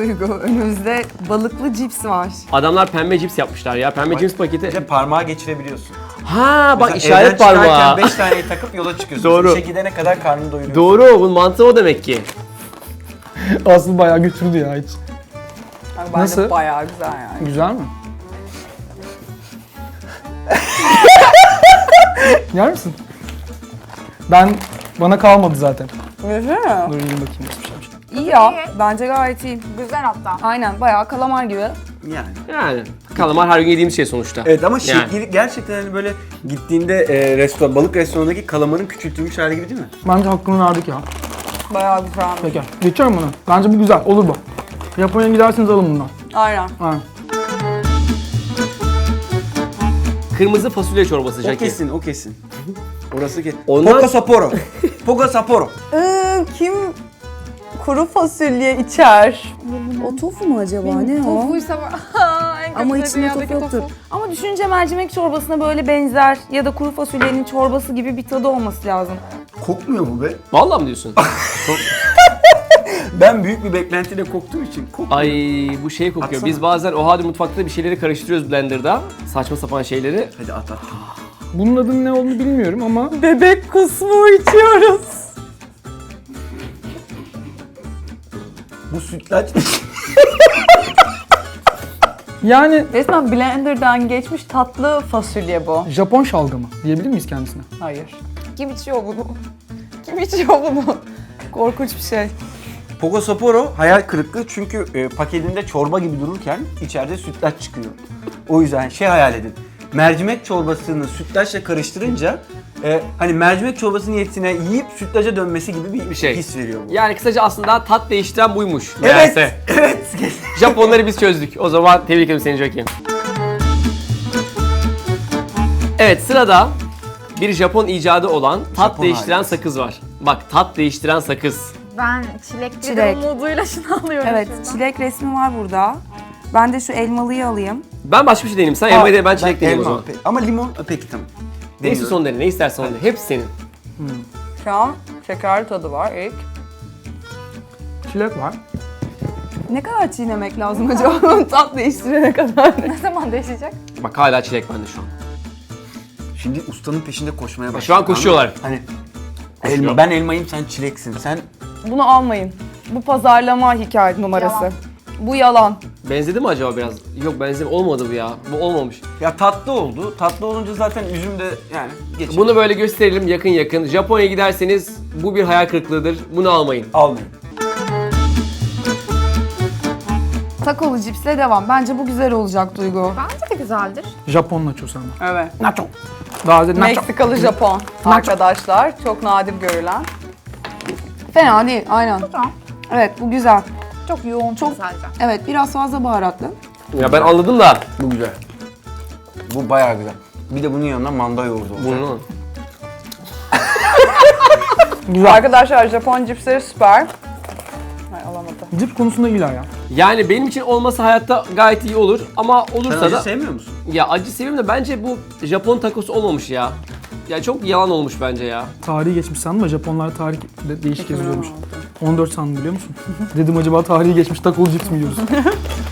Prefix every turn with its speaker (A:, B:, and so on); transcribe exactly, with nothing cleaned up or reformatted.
A: Duygu, önümüzde balıklı cips var.
B: Adamlar pembe cips yapmışlar ya. Pembe
C: Bak,
B: cips paketi.
C: Bir de parmağı geçirebiliyorsun.
B: Ha bak
C: Mesela
B: işaret
C: evden çıkarken
B: parmağı.
C: beş taneyi takıp yola çıkıyorsun.
B: Doğru.
C: İşe gidene kadar karnını doyuruyorsun.
B: Doğru, bunun mantığı o demek ki.
D: Aslı bayağı götürdü ya hiç.
A: Bak, bence
D: Nasıl?
A: bayağı güzel yani.
D: Güzel mi? Yer misin? Ben, bana kalmadı zaten.
A: Güzel mi?
D: Dur yiyeyim bakayım nasıl bir şeymiş.
A: İyi ya, bence gayet iyi.
E: Güzel hatta.
A: Aynen, bayağı kalamar gibi.
C: Yani.
B: Yani kalamar her gün yediğimiz şey sonuçta.
C: Evet ama
B: Yani.
C: şekli gerçekten hani böyle gittiğinde e, restoran, balık restoranındaki kalamarın küçültülmüş hali gibi değil mi?
D: Bence hakkını verdik ya.
A: Bayağı güzelmiş.
D: Peki. Geçiyorum bunu. Bence bu güzel. Olur bu. Japonya'ya giderseniz alın bundan.
A: Aynen.
D: Aynen.
B: Kırmızı fasulye çorbası
C: O
B: Jackie.
C: kesin, o kesin. Orası kesin.
B: Ondan-
C: Poco Sapporo. Poco Sapporo.
A: Ee, kim kuru fasulye içer? O tofu mu acaba? Ne o?
E: Tofuysa var. En kötü
A: Ama
E: de
A: içinde
E: dünyadaki
A: tofu yoktur. Ama düşünce mercimek çorbasına böyle benzer ya da kuru fasulyenin çorbası gibi bir tadı olması lazım.
C: Kokmuyor mu be?
B: Vallahi mı diyorsun?
C: Ben büyük bir beklentiyle koktuğum için kokmuyor.
B: Ay bu şey kokuyor.
C: Atsana.
B: Biz bazen o hadi mutfakta bir şeyleri karıştırıyoruz blenderda. Saçma sapan şeyleri.
C: Hadi at at.
D: Bunun adının ne olduğunu bilmiyorum ama
A: Bebek kusmu içiyoruz.
C: Bu sütlaç.
D: yani
A: Resmen blenderdan geçmiş tatlı fasulye bu.
D: Japon şalgamı diyebilir miyiz kendisine?
A: Hayır.
E: Kim içiyor bunu? Kim içiyor bunu?
A: Korkunç bir şey.
C: Poco Sapporo hayal kırıklığı çünkü e, paketinde çorba gibi dururken içeride sütlaç çıkıyor. O yüzden şey hayal edin. Mercimek çorbasını sütlaçla karıştırınca e, hani mercimek çorbasının niyetine yiyip sütlaca dönmesi gibi bir,
B: Bir şey.
C: his veriyor bu.
B: Yani kısaca aslında tat değiştiren buymuş.
C: Evet,
B: meğerse.
C: evet.
B: Japonları biz çözdük. O zaman tebrik ederim seni Jackie. Evet sırada bir Japon icadı olan tat
C: Japon
B: değiştiren
C: harikası.
B: sakız var. Bak tat değiştiren sakız.
E: Ben çilek
A: Çilek.
E: bir umuduyla şunu alıyorum
A: Evet,
E: şuradan.
A: çilek resmi var burada. Ben de şu elmalıyı alayım.
B: Ben başka bir şey deneyeyim. Sen elmayı de ben çilek deneyeyim o zaman.
C: Pe- Ama limon peki tamam.
B: Neyse
C: Deniyorum.
B: son dene. Ne istersen onu de. Hepsi senin.
A: Şu an şekerli tadı var ilk.
D: Çilek var.
A: Ne kadar çiğnemek lazım acaba tat değiştirene kadar?
E: Ne zaman değişecek?
B: Bak hala çilek bende şu an.
C: Şimdi ustanın peşinde koşmaya başladı.
B: Şu an koşuyorlar.
C: Hani elma, ben elmayım sen çileksin. Sen
A: Bunu almayın. Bu pazarlama hikaye numarası.
E: Yalan.
A: Bu yalan.
B: Benzedi mi acaba biraz? Yok benzedi. Olmadı bu ya. Bu olmamış.
C: ya tatlı oldu. Tatlı olunca zaten üzüm de yani geçer.
B: Bunu böyle gösterelim yakın yakın. Japonya'ya giderseniz bu bir hayal kırıklığıdır. Bunu almayın.
C: almayın.
A: Takolu cipsle devam. Bence bu güzel olacak Duygu.
E: Bence de güzeldir.
D: Japon nachosu ama.
A: Evet.
D: Nacho. Daha önce nacho.
A: Meksikalı Japon arkadaşlar. Çok nadir görülen. Fena değil, aynen.
E: Tamam.
A: Evet, bu güzel.
E: Çok yoğun
A: Çok-
E: çok sadece.
A: Evet, biraz fazla baharatlı.
B: Ya ben anladım da.
C: Bu güzel. Bu bayağı güzel. Bir de bunun yanına manda yoğurdu olacak.
B: Bunu.
D: Güzel.
A: Arkadaşlar Japon cipsleri süper. Ay alamadım.
D: Cips konusunda iyiler ya.
B: Yani benim için olması hayatta gayet iyi olur ama
C: Sen
B: olursa
C: acı
B: da
C: sevmiyor musun?
B: ya acı seviyorum da bence bu Japon takosu olmamış ya. Ya çok yalan olmuş bence ya.
D: Tarihi geçmiş sandım ama Japonlar tarih de değişik yazılıyormuş. on dört sandım biliyor musun? Dedim acaba tarihi geçmiş takolu cips mi yiyoruz?